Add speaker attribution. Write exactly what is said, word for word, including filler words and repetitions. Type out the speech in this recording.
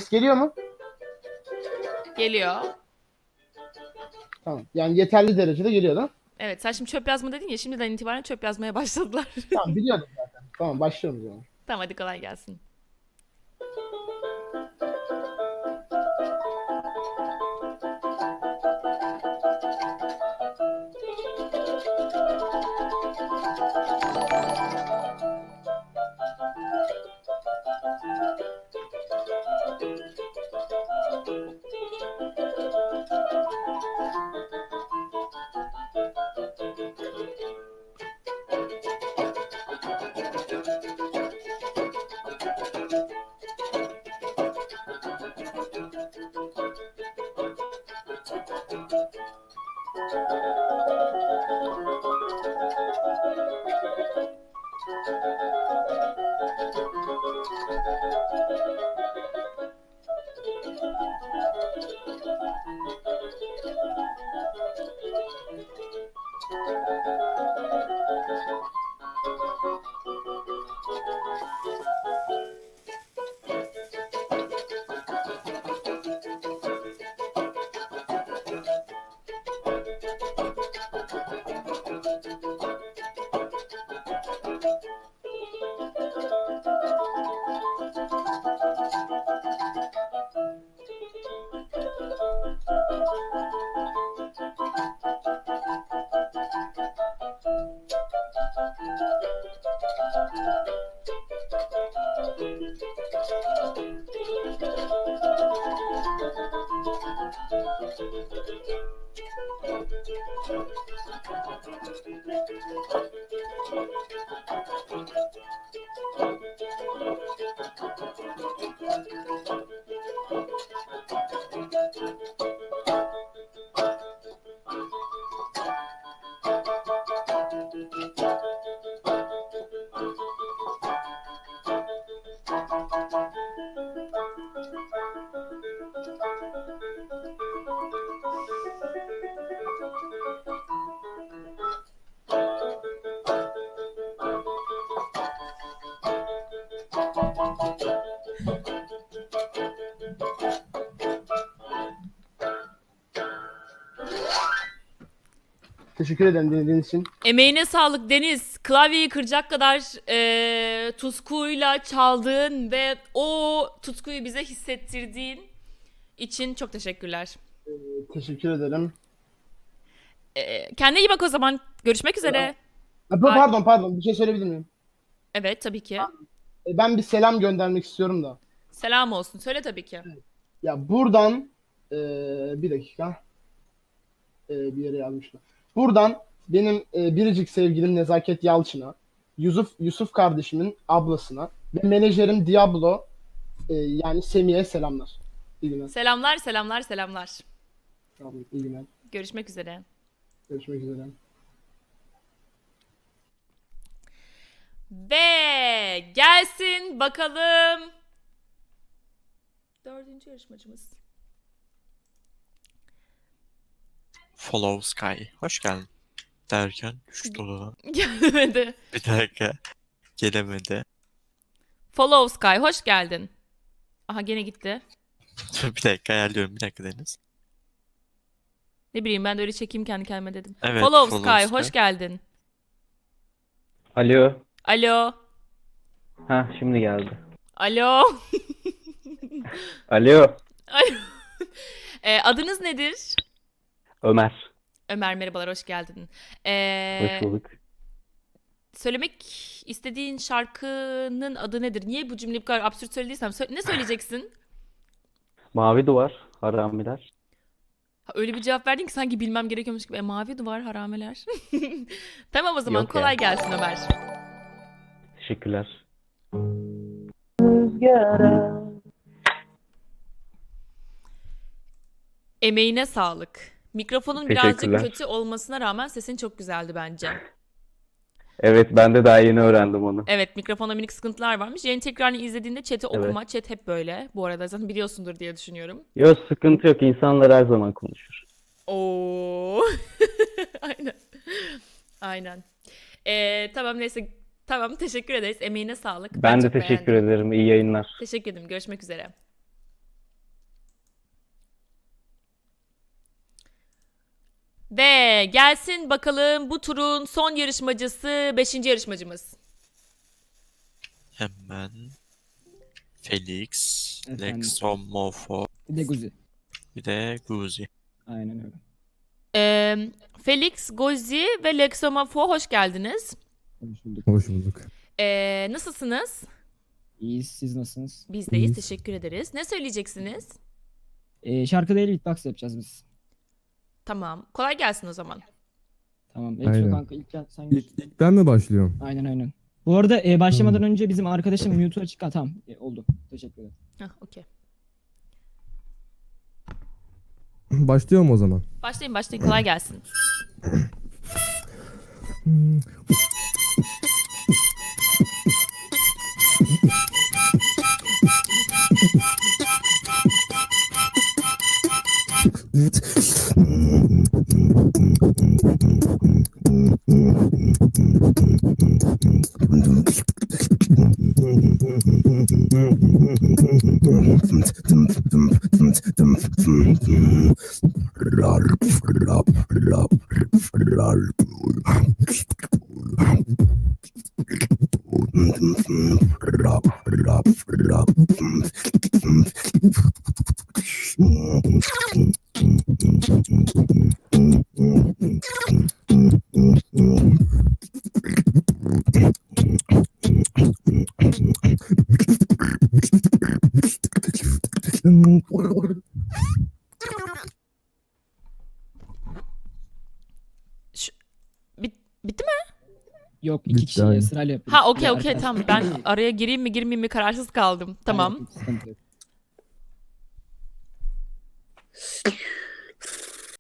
Speaker 1: geliyor mu?
Speaker 2: Geliyor.
Speaker 1: Tamam. Yani yeterli derecede geliyor da.
Speaker 2: Evet, sen şimdi çöp yazma dedin ya, şimdiden itibaren çöp yazmaya başladılar.
Speaker 1: Tamam, biliyordum zaten. Tamam, başlıyorum o zaman.
Speaker 2: Tamam, hadi kolay gelsin.
Speaker 1: Teşekkür ederim dinlediğiniz için.
Speaker 2: Emeğine sağlık Deniz. Klavyeyi kıracak kadar e, tutkuyla çaldığın ve o tutkuyu bize hissettirdiğin için çok teşekkürler.
Speaker 1: Teşekkür ederim.
Speaker 2: E, kendine iyi bak o zaman. Görüşmek üzere.
Speaker 1: Ha, pardon pardon bir şey söyleyebilir miyim?
Speaker 2: Evet, tabii ki.
Speaker 1: E, Ben bir selam göndermek istiyorum da.
Speaker 2: Selam olsun. Söyle tabii ki.
Speaker 1: Ya buradan e, bir dakika. E, bir yere yazmışlar. Buradan benim e, biricik sevgilim Nezaket Yalçın'a, Yusuf Yusuf kardeşimin ablasına ve menajerim Diablo, e, yani Semih'e selamlar. İyi günler.
Speaker 2: Selamlar, selamlar, selamlar.
Speaker 1: Tamam, iyi günler.
Speaker 2: Görüşmek üzere.
Speaker 1: Görüşmek üzere.
Speaker 2: Ve gelsin bakalım. Dördüncü yarışmacımız.
Speaker 3: Follow Sky. Hoş geldin. Derken düştü odadan.
Speaker 2: Gelmedi.
Speaker 3: Bir dakika. Gelemedi.
Speaker 2: Follow Sky, hoş geldin. Aha, gene gitti.
Speaker 3: Bir dakika ayarlıyorum. Bir dakika Deniz.
Speaker 2: Ne bileyim, ben de öyle çekeyim kendi kendime dedim.
Speaker 3: Evet,
Speaker 2: Follow,
Speaker 3: Follow
Speaker 2: Sky,
Speaker 3: Sky.
Speaker 2: hoş geldin.
Speaker 4: Alo.
Speaker 2: Alo.
Speaker 4: Ha şimdi geldi.
Speaker 2: Alo.
Speaker 4: Alo.
Speaker 2: Alo. E, adınız nedir?
Speaker 4: Ömer.
Speaker 2: Ömer, merhabalar, hoş geldin.
Speaker 4: Hoş
Speaker 2: E,
Speaker 4: bulduk.
Speaker 2: söylemek istediğin şarkının adı nedir? Niye bu cümleyi bu kadar absürt söylediysem sö- ne söyleyeceksin?
Speaker 4: Mavi duvar. Haramiler.
Speaker 2: Ha, öyle bir cevap verdin ki sanki bilmem gerekiyormuş gibi. E, mavi duvar, harameler. Tamam, o zaman
Speaker 4: Yok
Speaker 2: kolay
Speaker 4: ya.
Speaker 2: gelsin Ömer.
Speaker 4: Teşekkürler.
Speaker 2: Emeğine sağlık. Mikrofonun birazcık
Speaker 4: Teşekkürler.
Speaker 2: kötü olmasına rağmen sesin çok güzeldi bence.
Speaker 4: Evet ben de daha yeni öğrendim onu.
Speaker 2: Evet, mikrofonda minik sıkıntılar varmış. Yayın tekrarını izlediğinde chat'i
Speaker 4: Evet.
Speaker 2: okuma. Chat hep böyle. Bu arada zaten biliyorsundur diye düşünüyorum.
Speaker 4: Yok sıkıntı yok. İnsanlar her zaman konuşur.
Speaker 2: Oo. Aynen. Aynen. Ee, tamam, neyse. Tamam, teşekkür ederiz. Emeğine sağlık.
Speaker 4: Ben de
Speaker 2: çok
Speaker 4: teşekkür
Speaker 2: beğendim.
Speaker 4: ederim. İyi yayınlar.
Speaker 2: Teşekkür ederim. Görüşmek üzere. Ve gelsin bakalım bu turun son yarışmacısı, beşinci yarışmacımız.
Speaker 3: Hemen Felix,
Speaker 5: Efendim?
Speaker 3: Lexomorpho,
Speaker 5: Bir de Guzi.
Speaker 3: bir de Guzi.
Speaker 5: Aynen öyle.
Speaker 2: Ee, Felix, Gozi ve Lexomorpho hoş geldiniz.
Speaker 5: Hoş bulduk.
Speaker 6: Hoş bulduk.
Speaker 2: Ee, nasılsınız?
Speaker 5: İyiyiz. Siz nasılsınız?
Speaker 2: Biz deyiz,
Speaker 6: İyiyiz.
Speaker 2: teşekkür ederiz. Ne söyleyeceksiniz?
Speaker 5: Ee, şarkı değil beatbox yapacağız biz.
Speaker 2: Tamam, kolay gelsin o zaman.
Speaker 5: Tamam. Ekso
Speaker 6: Aynen.
Speaker 5: kanka ilk gel sen gir.
Speaker 6: İlk, ilk ben mi başlıyorum?
Speaker 5: Aynen aynen. Bu arada e, başlamadan önce bizim arkadaşım mute'u açık. Ha, tamam. E, oldu. Teşekkür ederim.
Speaker 2: Hah, okey.
Speaker 6: Başlıyorum o zaman.
Speaker 2: Başlayın başlayın, kolay gelsin. Şu, bit, bitti mi?
Speaker 5: Yok iki
Speaker 6: Bitti,
Speaker 5: kişi
Speaker 6: aynen.
Speaker 5: sırayla yapıyoruz.
Speaker 2: Ha okey
Speaker 5: Bir
Speaker 2: okey
Speaker 5: arkadaş-
Speaker 2: tamam, ben araya gireyim mi girmeyeyim mi kararsız kaldım. Tamam.
Speaker 5: Aynen, sıkıntı yok.